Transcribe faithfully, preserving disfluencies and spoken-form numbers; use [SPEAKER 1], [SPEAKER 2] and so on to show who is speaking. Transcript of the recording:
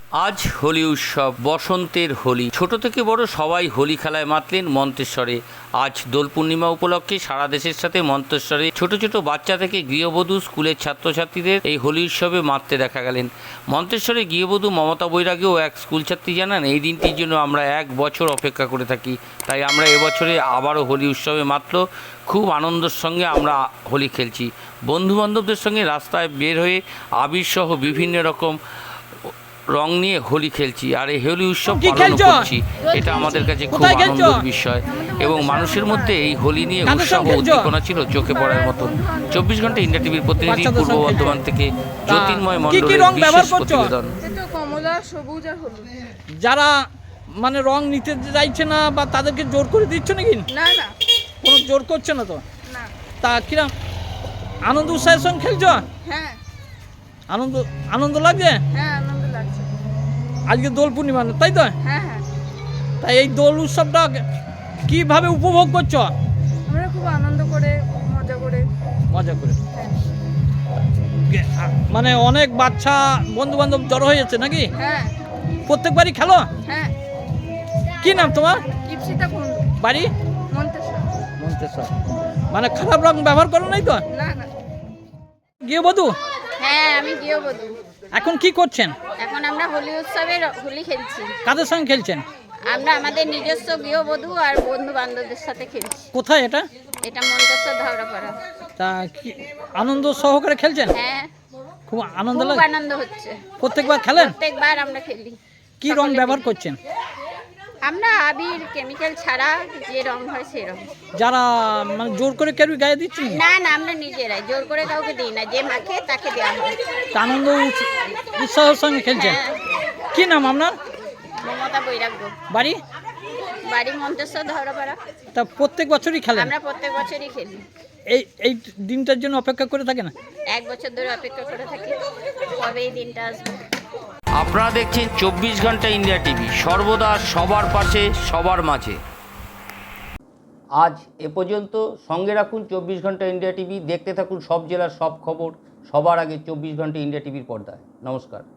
[SPEAKER 1] আজ হোলি উৎসব, বসন্তের হোলি। ছোট থেকে বড় সবাই হোলি খেলায় মাতলেন মন্তেশ্বরে। আজ দোল পূর্ণিমা উপলক্ষে সারা দেশের সাথে মন্তেশ্বরে ছোট ছোট বাচ্চা থেকে গৃহবধূ, স্কুলের ছাত্রছাত্রীদের এই হোলি উৎসবে মাততে দেখা গেলেন। মন্তেশ্বরে গৃহবধূ মমতা বৈরাগীও এক স্কুলছাত্রী জানান, এই দিনটির জন্য আমরা এক বছর অপেক্ষা করে থাকি, তাই আমরা এবছরে আবারও হোলি উৎসবে মাত্র খুব আনন্দের সঙ্গে আমরা হোলি খেলছি। বন্ধুবান্ধবদের সঙ্গে রাস্তায় বের হয়ে আবিরসহ বিভিন্ন রকম রং নিয়ে হোলি খেলছি আর এই হোলি উৎসব পালন করছি। এটা আমাদের কাছে খুব আনন্দের বিষয় এবং মানুষের মধ্যে এই হোলি নিয়ে উৎসাহ উদ্দীপনা ছিল চোখে পড়ার মতো। চব্বিশ ঘন্টা ইন্ডিয়া টিভির প্রতিনিধি, পূর্ব বর্ধমান থেকে জ্যোতির্ময় মণ্ডলের বিশেষ প্রতিবেদন।
[SPEAKER 2] যারা মানে রং নিতে চাইছে না বা তাদেরকে জোর করে দিচ্ছ নাকি?
[SPEAKER 3] না না,
[SPEAKER 2] কোনো জোর করছে না তো?
[SPEAKER 3] না।
[SPEAKER 2] তা কিরম আনন্দ উৎসাহের সঙ্গে খেলছো?
[SPEAKER 3] হ্যাঁ
[SPEAKER 2] আনন্দ আনন্দ লাগছে?
[SPEAKER 3] হ্যাঁ আনন্দ লাগছে।
[SPEAKER 2] আজকে দোল পূর্ণিমা, তাই তো?
[SPEAKER 3] হ্যাঁ হ্যাঁ,
[SPEAKER 2] তাই এই দোল উৎসবটা কিভাবে উপভোগ করছো?
[SPEAKER 3] আমরা খুব আনন্দ করে, মজা করে।
[SPEAKER 2] মজা করে
[SPEAKER 3] হ্যাঁ
[SPEAKER 2] মানে অনেক বাচ্চা বন্ধু বান্ধব জড়ো হয়ে যাচ্ছে নাকি?
[SPEAKER 3] হ্যাঁ
[SPEAKER 2] প্রত্যেকবারই খেলো?
[SPEAKER 3] হ্যাঁ।
[SPEAKER 2] কি নাম তোমার?
[SPEAKER 3] ইপসিতা কুন্ডু,
[SPEAKER 2] বাড়ি?
[SPEAKER 3] মন্তেশ্বর।
[SPEAKER 2] মন্তেশ্বর। মানে খারাপ রং ব্যবহার করো নাই তো?
[SPEAKER 3] না না।
[SPEAKER 2] গৃহবধূ?
[SPEAKER 3] হ্যাঁ আমি গৃহবধূ।
[SPEAKER 2] এখন কি করছেন?
[SPEAKER 3] এখন আমরা হোলি উৎসবে হোলি খেলছি।
[SPEAKER 2] কাদের সঙ্গে খেলছেন?
[SPEAKER 3] আমরা আমাদের নিজস্ব গৃহবধূ আর বন্ধু বান্ধবদের সাথে খেলছি।
[SPEAKER 2] কোথায় এটা?
[SPEAKER 3] এটা মন্তেশ্বর ধাওড়াপাড়া।
[SPEAKER 2] তা কি আনন্দ সহকারে খেলছেন?
[SPEAKER 3] হ্যাঁ
[SPEAKER 2] খুব আনন্দ
[SPEAKER 3] খুব
[SPEAKER 2] লাগে?
[SPEAKER 3] আনন্দ হচ্ছে।
[SPEAKER 2] প্রত্যেকবার খেলেন?
[SPEAKER 3] প্রত্যেকবার আমরা খেলি।
[SPEAKER 2] কি রং ব্যবহার করছেন?
[SPEAKER 3] আমরা আবির, কেমিক্যাল ছাড়া যে রং হয় সেই রং।
[SPEAKER 2] যারা মানে জোর করে কেউ গায়ে দিচ্ছেন?
[SPEAKER 3] না না, আমরা নিজেরাই, জোর করে কাউকে দিই না, যে মাখে তাকে দেওয়া হয়।
[SPEAKER 2] তা আনন্দ উৎস- উৎসাহের সঙ্গে খেলছেন?
[SPEAKER 3] হ্যাঁ।
[SPEAKER 2] কি নাম আপনার?
[SPEAKER 3] মমতা বৈরাগ্য।
[SPEAKER 2] বাড়ি?
[SPEAKER 3] বাড়ি মন্তেশ্বর ধাওড়াপাড়া।
[SPEAKER 2] তা প্রত্যেক বছরই খেলেন?
[SPEAKER 3] আমরা প্রত্যেক বছরই খেলি।
[SPEAKER 2] এই এই দিনটার জন্য অপেক্ষা করে থাকেন?
[SPEAKER 3] এক বছর ধরে অপেক্ষা করে থাকি কবে এই দিনটা আসবে।
[SPEAKER 1] আপনারা দেখছেন চব্বিশ ঘন্টা ইন্ডিয়া টিভি, সর্বদা সবার পাশে, সবার মাঝে। আজ এ পর্যন্ত। সঙ্গে রাখুন চব্বিশ ঘন্টা ইন্ডিয়া টিভি, দেখতে থাকুন সব জেলার সব খবর সবার আগে চব্বিশ ঘন্টা ইন্ডিয়া টিভির পর্দায়। নমস্কার।